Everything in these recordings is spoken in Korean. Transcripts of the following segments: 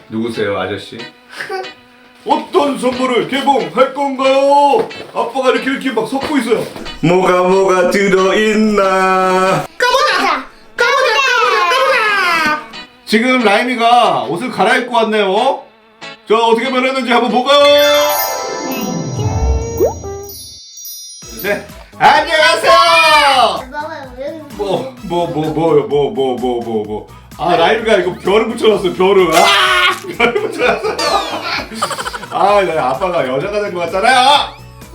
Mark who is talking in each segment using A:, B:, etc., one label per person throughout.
A: 누구세요, 아저씨? 어떤 선물을 개봉할 건가요? 아빠가 이렇게 막 섞고 있어요. 뭐가 들어있나?
B: 가보자.
A: 지금 라임이가 옷을 갈아입고 왔네요. 자, 어떻게 변했는지 한번 볼까요? 네. 안녕하세요. 뭐요? 아, 라임이가 이거 별을 붙여놨어요. 별을. 별을 붙여놨어요. 아빠가 여자가 된 것 같잖아요.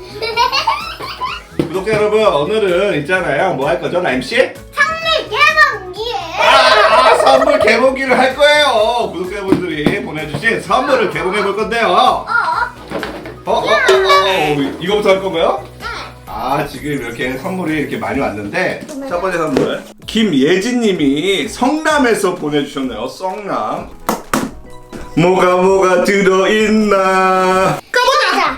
A: 구독자 여러분, 오늘은 있잖아요. 뭐 할 거죠, 라임씨?
B: 선물 개봉기.
A: 선물 개봉기를 할 거예요. 구독자분들이 보내주신 선물을 개봉해 볼 건데요. 이거부터 할 건가요? 지금 이렇게 선물이 이렇게 많이 왔는데 첫 번째 선물 김예진님이 성남에서 보내주셨네요. 성남. 뭐가 들어있나?
B: 가보자.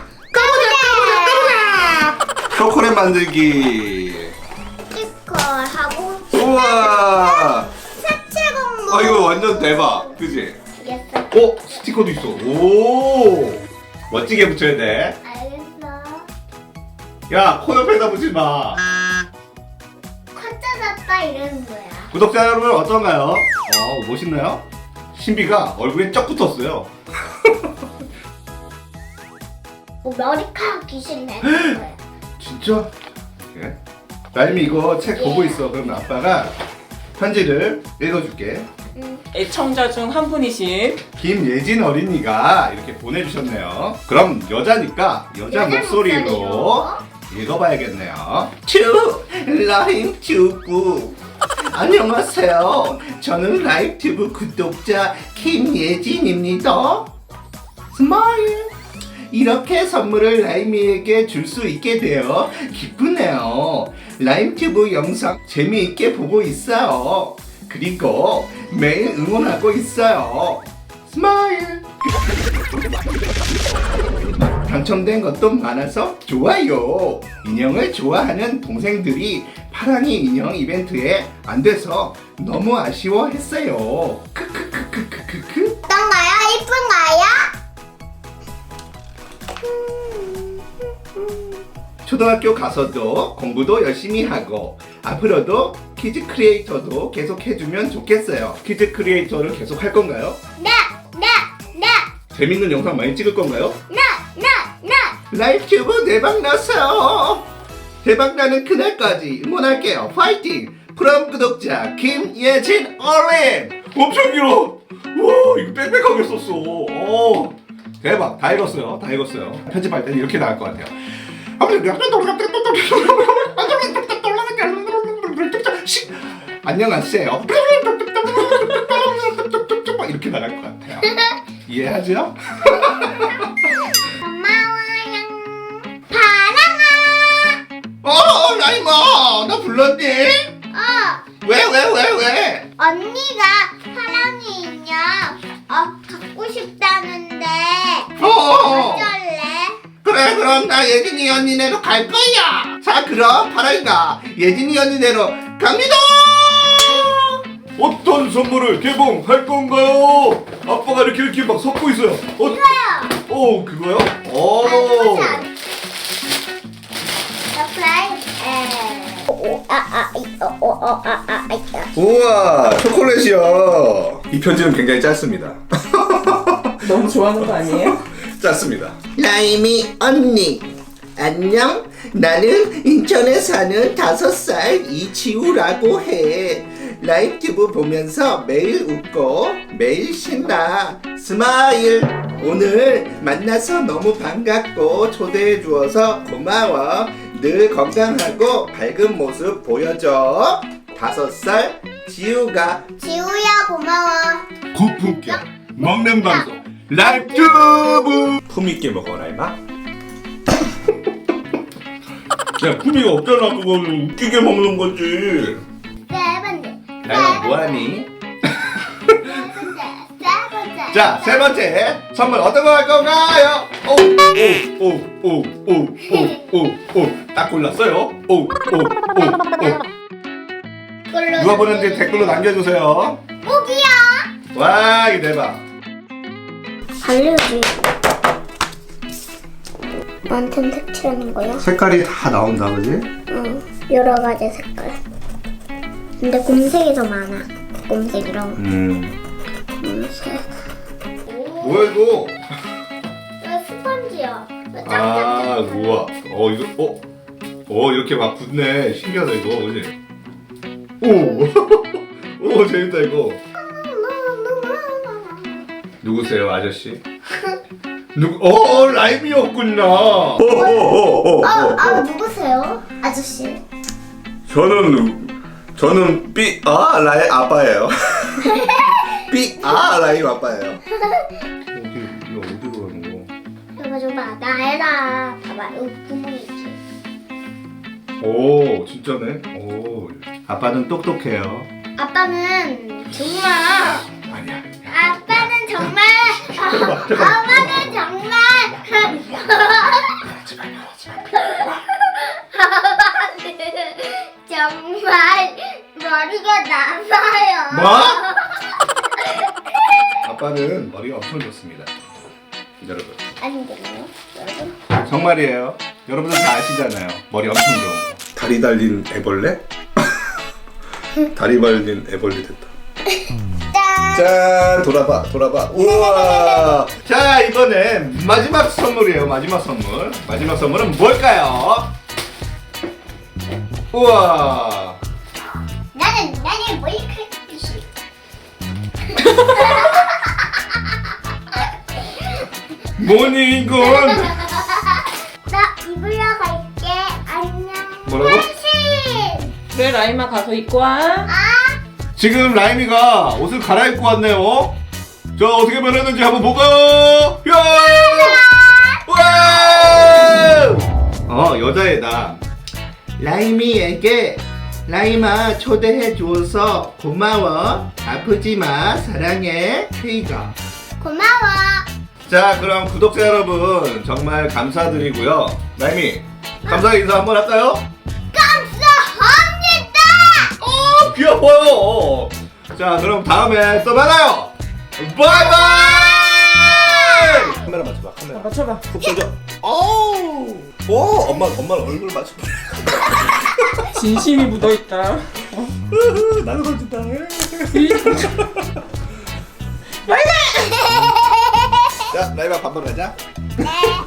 A: 초콜릿 만들기.
B: 스티커하고
A: 우와.
B: 색채 공부.
A: 이거 완전 대박, 그지?
B: 알겠어.
A: 스티커도 있어. 오, 멋지게 붙여야 돼.
B: 알겠어.
A: 야, 코 옆에다 붙이지 마.
B: 컷짜졌다 이러는 거야.
A: 구독자 여러분 어떤가요? 멋있나요? 신비가 얼굴에 쩍 붙었어요.
B: 머리카락 귀신 내는 거야.
A: 진짜? 예? 라임이 이거 책 보고 있어. 그럼 아빠가 편지를 읽어줄게.
C: 애청자 중 한 분이신
A: 김예진 어린이가 이렇게 보내주셨네요. 그럼 여자니까 여자 목소리로 읽어봐야겠네요. 라임 튜브 안녕하세요. 저는 라임 튜브 구독자 김예진입니다. 스마일. 이렇게 선물을 라임이에게 줄 수 있게 되어 기쁘네요. 라임 튜브 영상 재미있게 보고 있어요. 그리고 매일 응원하고 있어요. 스마일. 당첨된 것도 많아서 좋아요. 인형을 좋아하는 동생들이 파랑이 인형 이벤트에 안 돼서 너무 아쉬워했어요. 크크크크크크크.
B: 어떤가요? 이쁜가요?
A: 초등학교 가서도 공부도 열심히 하고 앞으로도 키즈 크리에이터도 계속 해주면 좋겠어요. 키즈 크리에이터를 계속 할 건가요?
B: 네.
A: 재밌는 영상 많이 찍을 건가요? 라이브 튜브 대박 났어요. 대박 나는 그날까지 응원할게요. 파이팅! 프롬 구독자 김예진 어린. 엄청 길어. 와, 이거 빽빽하게 썼어. 대박. 다 읽었어요. 편집할 때는 이렇게 나올 것 같아요. 안녕하세요. 이렇게 나갈 것 같아요. 이해하죠?
B: 고마워요. 파랑아.
A: 라임아, 나 불렀니? 왜?
B: 언니가 파랑이 인형 갖고 싶다는데 어쩔래?
A: 그래, 그럼 나 예진이 언니네로 갈 거야. 자, 그럼 파랑이가 예진이 언니네로 갑니다. 어떤 선물을 개봉할 건가요? 아빠가 이렇게 막 섞고 있어요.
B: 이거요.
A: 그거요? 우와, 초콜릿이요. 이 편지는 굉장히 짧습니다.
C: 너무 좋아하는 거 아니에요?
A: 짧습니다. 라임이 언니 안녕. 나는 인천에 사는 5살 이지우라고 해. 라임 튜브 보면서 매일 웃고 매일 신나. 스마일. 오늘 만나서 너무 반갑고 초대해 주어서 고마워. 늘 건강하고 밝은 모습 보여줘. 5살 지우가.
B: 지우야 고마워.
A: 고품격 먹는 방송 라임 튜브. 품있게 먹어, 라임아. 야, 품위가 없잖아. 그거는 웃기게 먹는 거지.
B: 세 번째.
A: 라임아, 뭐하니?
B: 세 번째.
A: 자, 3번째 선물 어떤 거 할 건가요? 딱 골랐어요. 누가 보는지 댓글로 남겨주세요.
B: 꼭이요.
A: 와, 이거 대박.
B: 달려지. 나한텐 색칠하는 거야?
A: 색깔이 다 나온다, 그지?
B: 응, 여러 가지 색깔. 근데 곰색이 더 많아. 곰색이랑 곰색.
A: 뭐야 이거?
B: 이거 스펀지야.
A: 아, 우와. 이거 이렇게 막 굳네. 신기하다 이거, 그지? 오, 오 재밌다 이거. 누구세요, 아저씨? 라임이었구나.
B: 누구세요? 아저씨.
A: 저는 라임 아빠예요. 라임 아빠예요. 이거 어디로 가는 거?
B: 줘봐. 나에다. 봐봐. 여기 구멍이 있지.
A: 오, 진짜네. 오, 아빠는 똑똑해요.
B: 아빠는 정말.
A: 아니야.
B: 아빠는 정말. 아빠는 정말. 정말 머리가 나빠요.
A: 뭐? 아빠는 머리가 엄청 좋습니다. 여러분.
B: 아니겠네요, 여러분.
A: 정말이에요. 여러분들 다 아시잖아요. 머리 엄청 좋은 거. 다리 달린 애벌레? 다리 달린 애벌레 됐다. 짠! 돌아봐. 우와! 자, 이번엔 마지막 선물이에요. 마지막 선물. 마지막 선물은 뭘까요? 우와!
B: 나는 머리카락이.
A: 뭐니 이건?
B: 나 입으러 갈게. 안녕.
A: 뭐라고?
B: 당신.
C: 그래 라임아 가서 입고 와.
A: 지금 라임이가 옷을 갈아입고 왔네요. 자, 어떻게 변했는지 한번 볼까요? 와! 여자애다. 라임이에게 라임아 초대해줘서 고마워. 아프지마. 사랑해. 페이가.
B: 고마워.
A: 자, 그럼 구독자 여러분 정말 감사드리고요. 라임이 감사 인사 한번 할까요?
B: 감사합니다.
A: 귀여워요. 자, 그럼 다음에 또 만나요. 바이바이. 카메라 맞춰봐. 카메라.
C: 맞춰봐.
A: 푹 쏘죠. 엄마 얼굴 맞춰봐.
C: 진심이 묻어있다.
A: 나도 던진다. 자, 라이바 밥 먹으러 가자.
B: 네.